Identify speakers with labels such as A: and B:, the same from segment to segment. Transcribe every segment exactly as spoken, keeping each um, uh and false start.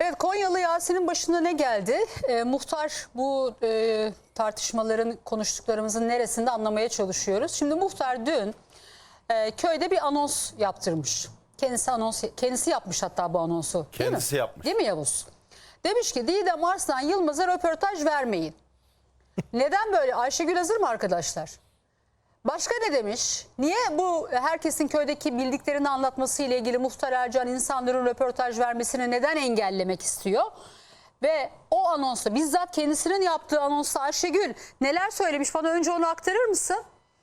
A: Evet, Konyalı Yasin'in başına ne geldi? E, muhtar bu e, tartışmaların, konuştuklarımızın neresinde anlamaya çalışıyoruz. Şimdi muhtar dün e, köyde bir anons yaptırmış. Kendisi anons, kendisi yapmış hatta bu anonsu. Değil
B: Kendisi
A: mi?
B: yapmış.
A: Değil mi Yavuz? Demiş ki Didem Arslan Yılmaz'a röportaj vermeyin. Neden böyle? Ayşegül hazır mı arkadaşlar? Başka ne demiş? Niye bu herkesin köydeki bildiklerini anlatması ile ilgili Muhtar Ercan insanların röportaj vermesini neden engellemek istiyor? Ve o anonsta, bizzat kendisinin yaptığı anonsta Ayşegül neler söylemiş, bana önce onu aktarır mısın?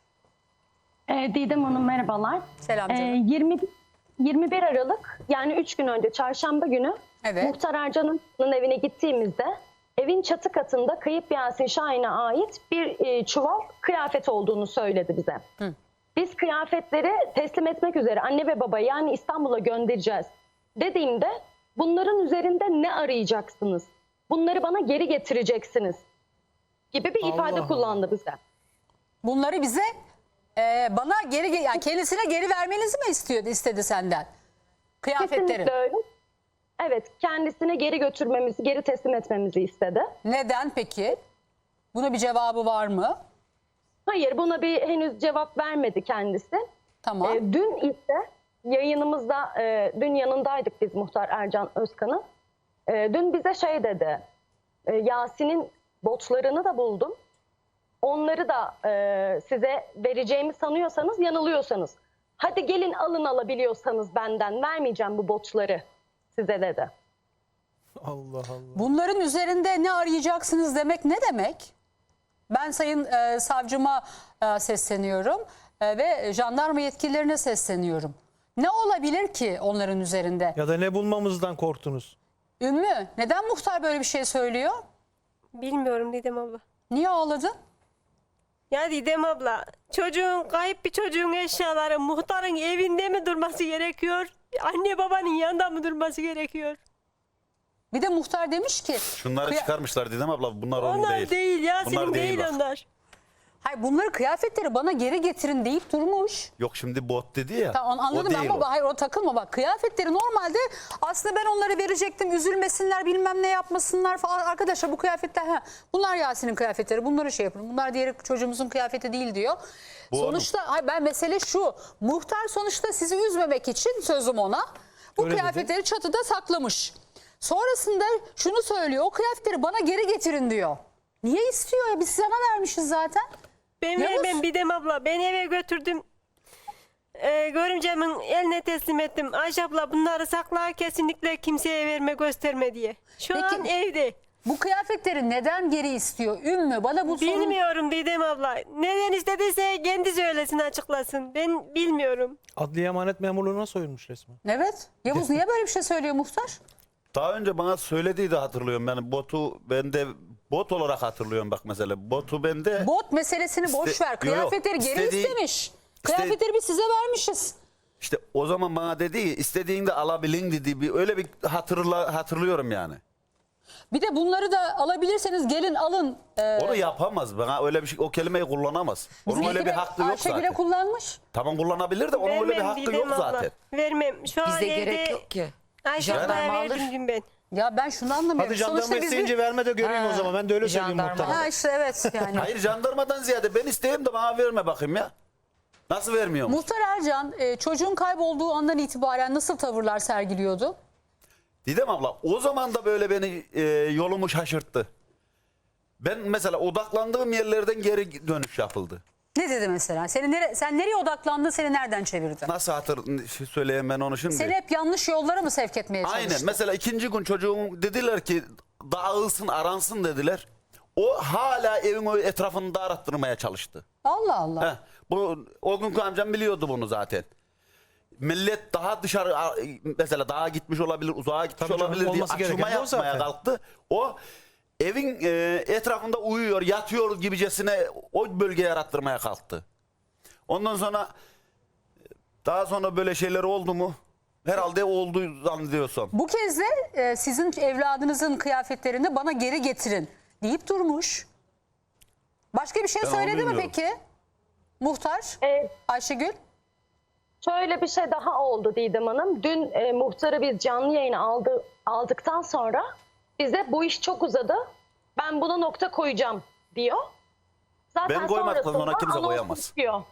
C: E, Didem Hanım merhabalar.
A: Selam canım.
C: E, yirmi, yirmi bir Aralık yani üç gün önce çarşamba günü
A: Evet.
C: Muhtar Ercan'ın evine gittiğimizde evin çatı katında kayıp Yasin Şahin'e ait bir e, çuval kıyafet olduğunu söyledi bize.
A: Hı.
C: Biz kıyafetleri teslim etmek üzere anne ve baba yani İstanbul'a göndereceğiz dediğimde bunların üzerinde ne arayacaksınız? Bunları bana geri getireceksiniz gibi bir ifade
D: Allah
C: kullandı bize.
A: Bunları bize e, bana geri, yani kendisine geri vermenizi mi istiyordu, istedi senden? Kıyafetleri.
C: Kesinlikle öyle. Evet, kendisine geri götürmemizi, geri teslim etmemizi istedi.
A: Neden peki? Buna bir cevabı var mı?
C: Hayır, buna bir henüz cevap vermedi kendisi.
A: Tamam.
C: Ee, dün ise yayınımızda, e, dün yanındaydık biz Muhtar Ercan Özkan'ın. E, dün bize şey dedi, e, Yasin'in botlarını da buldum. Onları da e, size vereceğimi sanıyorsanız yanılıyorsanız. Hadi gelin alın alabiliyorsanız benden vermeyeceğim bu botları size dedi.
D: Allah Allah.
A: Bunların üzerinde ne arayacaksınız demek ne demek? Ben sayın e, savcıma e, sesleniyorum e, ve jandarma yetkililerine sesleniyorum. Ne olabilir ki onların üzerinde?
D: Ya da ne bulmamızdan korktunuz?
A: Ümmü, neden muhtar böyle bir şey söylüyor?
E: Bilmiyorum Didem abla.
A: Niye ağladın?
E: Ya Didem abla, çocuğun, kayıp bir çocuğun eşyaları muhtarın evinde mi durması gerekiyor? Anne babanın yanında mı durması gerekiyor?
A: Bir de muhtar demiş ki...
B: Şunları
A: kıya-
B: çıkarmışlar dedim abla, bunlar onun
E: Onlar
B: değil.
E: değil, Yasin'in
B: Bunlar
E: değil,
B: bak.
E: onlar.
A: Hayır, bunları, kıyafetleri bana geri getirin deyip durmuş.
B: Yok şimdi bot dedi ya.
A: Tamam, onu anladım
B: o değil
A: ama
B: o.
A: hayır, o takılma bak. Kıyafetleri normalde aslında ben onları verecektim. Üzülmesinler, bilmem ne yapmasınlar falan. Arkadaşlar bu kıyafetler, ha, bunlar Yasin'in kıyafetleri. Bunları şey yapın. Bunlar diğer çocuğumuzun kıyafeti değil diyor.
B: Bu
A: sonuçta hayır, ben mesele şu. Muhtar sonuçta sizi üzmemek için, sözüm ona, bu
D: Öyle
A: kıyafetleri
D: dedi.
A: çatıda saklamış. Sonrasında şunu söylüyor. O kıyafetleri bana geri getirin diyor. Niye istiyor ya? Biz sana vermişiz zaten.
E: Ben
A: Yavuz.
E: vermem Didem abla, ben eve götürdüm. Ee, görümcemin eline teslim ettim. Ayşe abla bunları sakla, kesinlikle kimseye verme, gösterme diye. Şu
A: Peki,
E: an evde.
A: Bu kıyafetleri neden geri istiyor? Ümmü, bana bu sorun...
E: Bilmiyorum Didem abla. Neden istediyse kendi söylesin, açıklasın. Ben bilmiyorum.
D: Adliye emanet memurluğuna soyulmuş resmen.
A: Evet. Yavuz niye böyle bir şey söylüyor muhtar?
B: Daha önce bana söylediği de hatırlıyorum. Yani botu ben de bot olarak hatırlıyorum bak mesela. Botu bende.
A: Bot meselesini boş
B: İste-
A: ver.
B: Yo, yo.
A: Kıyafetleri geri
B: İstediği-
A: istemiş. Kıyafetleri biz size vermişiz.
B: İşte o zaman bana dedi ki istediğinde alabilin dedi. Bir, öyle bir hatırla, hatırlıyorum yani.
A: Bir de bunları da alabilirseniz gelin alın. Ee,
B: Onu yapamaz. Bana öyle bir şey, o kelimeyi kullanamaz. Onun öyle
A: bizimki
B: bir
A: de
B: hakkı yok
A: Ayşegül'e
B: zaten.
A: kullanmış.
B: Tamam kullanabilir de onun öyle bir
E: Vermem
B: hakkı
E: Didem
B: yok
E: abla.
B: zaten.
E: Vermem. Şu an
F: Bizde
E: evde
F: gerek yok ki.
E: Ayşe
F: Jandarma
E: ablaya
F: alır.
E: verdim dün ben.
A: Ya ben şunu anlamıyorum.
D: Hadi jandarma
A: Sonuçta biz
D: isteyince
A: bir...
D: verme de göreyim
F: Ha,
D: o zaman. Ben de öyle söyleyeyim
F: jandarma.
D: muhtarım.
A: Ha işte evet yani.
B: Hayır jandarmadan ziyade ben isteyeyim de bana verme bakayım ya. Nasıl vermiyor mu?
A: Muhtar Ercan e, çocuğun kaybolduğu andan itibaren nasıl tavırlar sergiliyordu?
B: Didem abla o zaman da böyle beni e, yolumu şaşırttı. Ben mesela odaklandığım yerlerden geri dönüş yapıldı.
A: Ne dedi mesela? Seni nere, sen nereye odaklandın, seni nereden çevirdi?
B: Nasıl hatır şey söyleyeyim ben onu şimdi?
A: Seni hep yanlış yollara mı sevk etmeye çalıştı?
B: Aynen mesela ikinci gün çocuğum dediler ki dağılsın aransın dediler. O hala evin o etrafını da arattırmaya çalıştı.
A: Allah Allah.
B: Heh, bu, o günkü amcam biliyordu bunu zaten. Millet daha dışarı mesela daha gitmiş olabilir, uzağa gitmiş
D: Tabii canım,
B: olabilir diye
D: olması gereken
B: açılma
D: de o
B: yapmaya
D: zaten.
B: kalktı. O evin e, etrafında uyuyor, yatıyor gibicesine o bölge yarattırmaya kalktı. Ondan sonra daha sonra böyle şeyler oldu mu? Herhalde oldu zannediyorsam.
A: Bu kez de e, sizin evladınızın kıyafetlerini bana geri getirin deyip durmuş. Başka bir şey
B: Ben onu
A: söyledi mi
B: bilmiyorum.
A: peki? Muhtar
C: Ee,
A: Ayşegül.
C: Şöyle bir şey daha oldu Didem Hanım. Dün e, muhtarı biz canlı yayına aldı, aldıktan sonra bize bu iş çok uzadı. Ben buna nokta koyacağım diyor. Zaten
B: Ben koymaktan sonra
C: sonrasında
B: kimse
C: anonsu
B: koyamaz.
C: çıkıyor.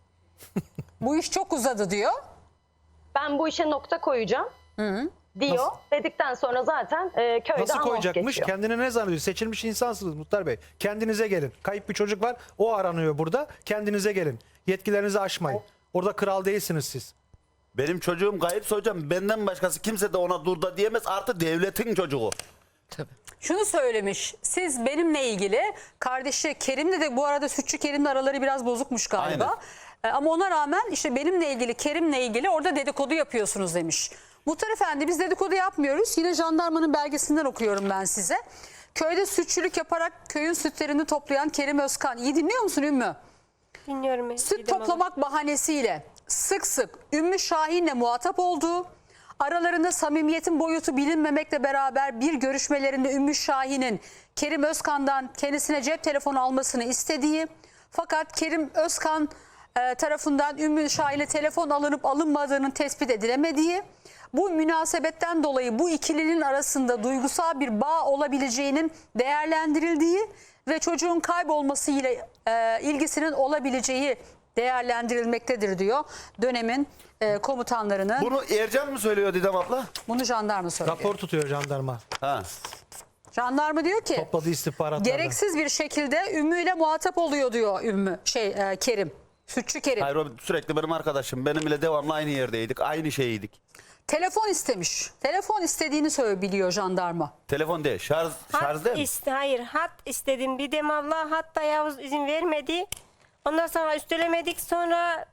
A: Bu iş çok uzadı diyor.
C: Ben bu işe nokta koyacağım diyor.
D: Nasıl?
C: Dedikten sonra zaten e, köyde
D: Nasıl
C: anons
D: koyacakmış?
C: geçiyor.
D: Kendine ne zannediyor? Seçilmiş insansınız Muhtar Bey. Kendinize gelin. Kayıp bir çocuk var. O aranıyor burada. Kendinize gelin. Yetkilerinizi aşmayın. Orada kral değilsiniz siz.
B: Benim çocuğum kayıpsa hocam benden başkası kimse de ona dur da diyemez. Artı devletin çocuğu.
A: Şunu söylemiş. Siz benimle ilgili kardeşi Kerim'le de bu arada Sütçü Kerim'le araları biraz bozukmuş galiba.
B: Aynen.
A: E, Ama ona rağmen işte benimle ilgili Kerim'le ilgili orada dedikodu yapıyorsunuz demiş. Muhtar Efendi biz dedikodu yapmıyoruz. Yine jandarmanın belgesinden okuyorum ben size. Köyde sütçülük yaparak köyün sütlerini toplayan Kerim Özkan. İyi dinliyor musun Ümmü?
E: Dinliyorum. ben,
A: Süt
E: Didem abla.
A: toplamak bahanesiyle sık sık Ümmü Şahin'le muhatap olduğu, aralarında samimiyetin boyutu bilinmemekle beraber bir görüşmelerinde Ümmü Şahin'in Kerim Özkan'dan kendisine cep telefonu almasını istediği, fakat Kerim Özkan e, tarafından Ümmü Şahin'e telefon alınıp alınmadığının tespit edilemediği, bu münasebetten dolayı bu ikilinin arasında duygusal bir bağ olabileceğinin değerlendirildiği ve çocuğun kaybolması ile e, ilgisinin olabileceği değerlendirilmektedir diyor dönemin e, komutanlarının.
B: Bunu Ercan mı söylüyor Didem abla?
A: Bunu jandarma söylüyor.
D: Rapor tutuyor jandarma.
B: Ha.
A: Jandarma diyor ki
D: Topladığı istihbaratlardan.
A: gereksiz bir şekilde Ümmü ile muhatap oluyor diyor Ümmü şey e, Kerim. Sütçü Kerim.
B: Hayır o sürekli benim arkadaşım. Benimle devamlı aynı yerdeydik. Aynı şeyiydik.
A: Telefon istemiş. Telefon istediğini söylüyor jandarma.
B: Telefon değil. Şarj, şarj
E: Hat
B: değil mi?
E: iste, hayır hat istedim. Didem abla hatta Yavuz izin vermedi. Ondan sonra üstelemedik, sonra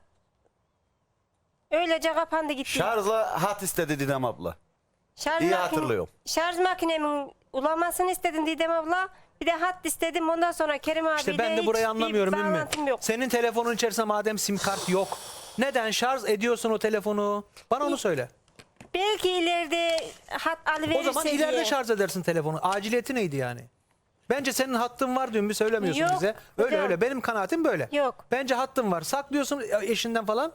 E: öylece kapandı gitti.
B: Şarjla hat istedi Didem abla.
E: Şarj
B: İyi
E: makine-
B: hatırlıyorum.
E: Şarj makinemin ulamasını istedim Didem abla. Bir de hat istedim. Ondan sonra Kerim abi
D: İşte ben de burayı anlamıyorum değil mi?
E: bağlantım yok.
D: Senin telefonun içerisinde madem sim kart yok. Neden şarj ediyorsun o telefonu? Bana onu söyle.
E: Belki ileride hat alıverirse
D: O zaman ileride
E: diye.
D: şarj edersin telefonu. Aciliyeti neydi yani? Bence senin hattın var diyor, bir söylemiyorsun
E: Yok,
D: bize. Öyle
E: hocam.
D: öyle. Benim kanaatim böyle.
E: Yok.
D: Bence hattın var. Saklıyorsun eşinden falan.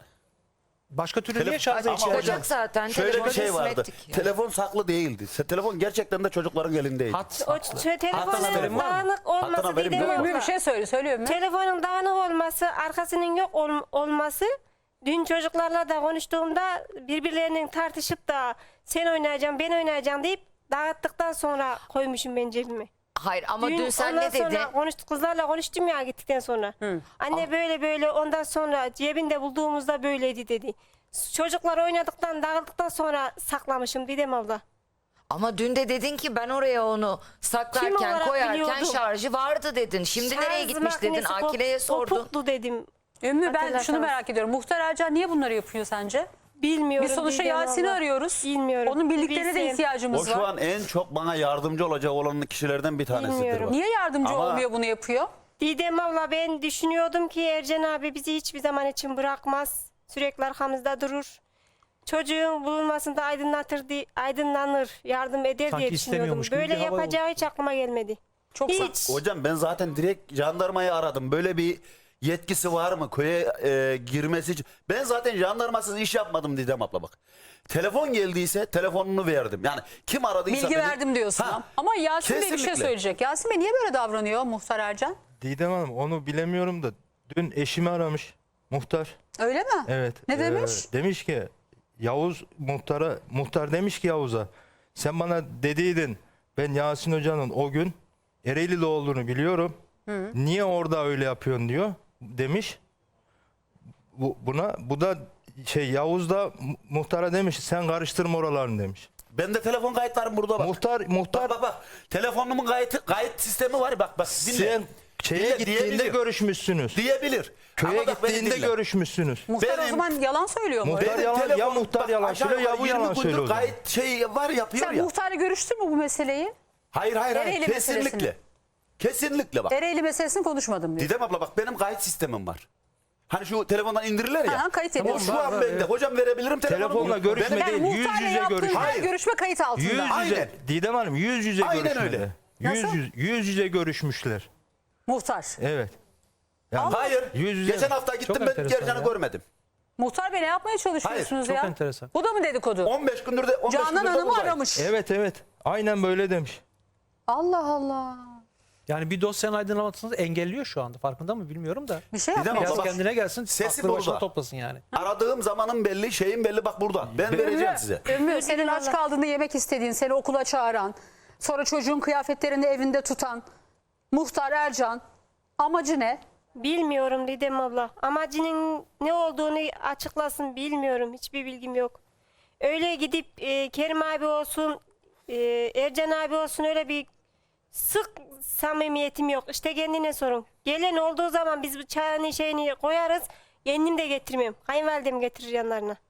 D: Başka türlü
B: Telefon-
D: niye şarja
B: Ama
D: ihtiyacın
B: hocam,
D: var?
F: zaten.
B: Şöyle bir
F: telefonu
B: şey
F: teslim
B: vardı.
F: ettik yani.
B: Telefon saklı değildi. Se- Telefon gerçekten de çocukların elindeydi.
D: Hat
E: O
D: saklı.
E: ç- telefonun
B: haberin var mı?
E: dağınık
B: Hattan
E: olması
B: haberim
E: Didem
B: yok.
E: abla.
A: Ümmü bir şey söyle. Söylüyor mu?
E: Telefonun dağınık olması, arkasının yok ol- olması. Dün çocuklarla da konuştuğumda birbirlerinin tartışıp da sen oynayacaksın, ben oynayacağım deyip dağıttıktan sonra koymuşum ben cebime.
F: Hayır ama dün, sen
E: ondan
F: ne dedin?
E: sonra konuştuk, kızlarla konuştum ya gittikten sonra. Anne böyle böyle, ondan sonra cebinde bulduğumuzda böyleydi dedi. Çocuklar oynadıktan, dağıldıktan sonra saklamışım Didem abla.
F: Ama dün de dedin ki ben oraya onu
E: Kim
F: saklarken
E: olarak
F: koyarken
E: biliyordum?
F: şarjı vardı dedin. Şimdi nereye
E: Şarj
F: gitmiş dedin?
E: makinesi kop-
F: Akile'ye sordun.
E: Kopuklu dedim.
A: Ümmü ben
E: Hatırlarsanız.
A: şunu merak ediyorum. Muhtar Ercan niye bunları yapıyor sence?
E: Bilmiyorum.
A: Biz sonuçta
E: Didem
A: Yasin'i
E: abla.
A: arıyoruz.
E: Bilmiyorum.
A: Onun bildiklerine de
E: Bilsem.
A: ihtiyacımız
B: O şu
A: var.
B: an en çok bana yardımcı olacak olan kişilerden bir tanesidir.
E: Bilmiyorum.
B: bak.
A: Niye yardımcı
B: Ama-
A: olmuyor, bunu yapıyor?
E: Didem abla, ben düşünüyordum ki Ercan abi bizi hiçbir zaman için bırakmaz. Sürekli arkamızda durur. Çocuğun bulunmasında aydınlatır, di- aydınlanır, yardım eder
D: Sanki
E: diye düşünüyordum.
D: istemiyormuş gibi
E: Böyle
D: bir hava
E: yapacağı hiç aklıma gelmedi.
A: Çok sağ-
E: Hiç.
B: Hocam ben zaten direkt jandarmayı aradım. Böyle bir yetkisi var mı köye e, girmesi için? Ben zaten jandarmasız iş yapmadım Didem abla bak. Telefon geldiyse telefonunu verdim. Yani kim aradıysa
A: Bilgi
B: beni-
A: verdim diyorsun.
B: Ha,
A: ama. Ama Yasin Bey bir şey
B: kesinlikle.
A: söyleyecek. Yasin Bey niye böyle davranıyor Muhtar Ercan?
G: Didem Hanım onu bilemiyorum da dün eşimi aramış muhtar.
A: Öyle mi?
G: Evet.
A: Ne
G: e,
A: demiş?
G: demiş ki Yavuz muhtara muhtar demiş ki Yavuz'a sen bana dediydin ben Yasin Hoca'nın o gün Ereğli'de olduğunu biliyorum. Niye orada öyle yapıyorsun diyor demiş. Bu, buna bu da şey Yavuz da mu- muhtara demiş sen karıştırma oralarını demiş.
B: Ben de telefon kayıtlarım burada bak.
G: Muhtar muhtar
B: Bak bak bak. Telefonumun kayıt, kayıt sistemi var bak bak. Dinle.
G: sen şeye
B: Dinle,
G: gittiğinde
B: diyebilir.
G: görüşmüşsünüz.
B: Diyebilir.
G: Köye
B: Ama bak beni
G: gittiğinde
B: dinle.
G: görüşmüşsünüz.
A: Muhtar o
B: benim-
A: zaman yalan söylüyor mu?
G: Muhtar
A: öyle?
G: yalan- ya
B: telefonum-
G: muhtar
B: bak
G: yalan
B: aşağı
G: söylüyor, ya
B: yukarı
G: bu
B: yirmi
G: yalan
B: gündür
G: söylüyor o zaman.
B: Kayıt şey var yapıyor
A: Sen
B: ya.
A: muhtarla görüştün mü bu meseleyi?
B: Hayır hayır hayır.
A: Ereğli
B: Kesinlikle.
A: meselesini.
B: Kesinlikle bak.
A: Ereğli meselesini konuşmadım diyor.
B: Didem abla bak benim kayıt sistemim var. Hani şu telefondan indirirler ya.
A: Aha, kayıt
B: O
A: ediyorsun.
B: şu an
D: var,
B: bende.
D: evet.
B: Hocam verebilirim telefonumu.
G: Telefonla görüşme
B: Benim-
A: Yani
G: değil, yüz
A: muhtarla
G: yüze
A: yaptığın
G: görüşme.
A: her
B: Hayır.
A: görüşme kayıt altında.
G: Yüz yüze.
B: Aynen.
G: Didem Hanım yüz yüze
B: Aynen
G: görüşmedi.
B: öyle.
G: Yüz,
A: Nasıl?
G: yüz, yüz yüze görüşmüşler.
A: Muhtar.
G: Evet. Yani
B: Hayır.
G: Yüz yüze-
B: Geçen hafta gittim
D: Çok
B: ben
D: enteresan
B: Gercan'ı
D: ya.
B: görmedim.
A: Muhtar Bey ne yapmaya çalışıyorsunuz
D: çok
A: ya?
D: enteresan.
A: Bu da mı dedikodu?
B: on beş gündür de on beş
A: Canan
B: gündür de
A: Hanım'ı
B: buradayım.
A: aramış.
G: Evet evet. Aynen böyle demiş.
A: Allah Allah.
D: Yani bir dosyanın aydınlanmasını engelliyor şu anda. Farkında mı bilmiyorum da.
A: Bir şey
B: Didem
A: yapmıyor.
B: abla
D: Biraz
B: bak,
D: kendine gelsin.
B: sesi
D: Aklı başına
B: burada.
D: toplasın yani.
B: Aradığım zamanın belli, şeyin belli, bak burada. Ben vereceğim size.
A: Ümmü senin aç kaldığında yemek istediğin, seni okula çağıran, sonra çocuğun kıyafetlerini evinde tutan Muhtar Ercan amacı ne?
E: Bilmiyorum Didem abla. Amacının ne olduğunu açıklasın bilmiyorum. Hiçbir bilgim yok. Öyle gidip e, Kerim abi olsun, e, Ercan abi olsun öyle bir sık samimiyetim yok. İşte kendine sorun. Gelen olduğu zaman biz bu çayını şeyini koyarız. Kendim de getirmiyorum. Kayınvalidem getirir yanlarına.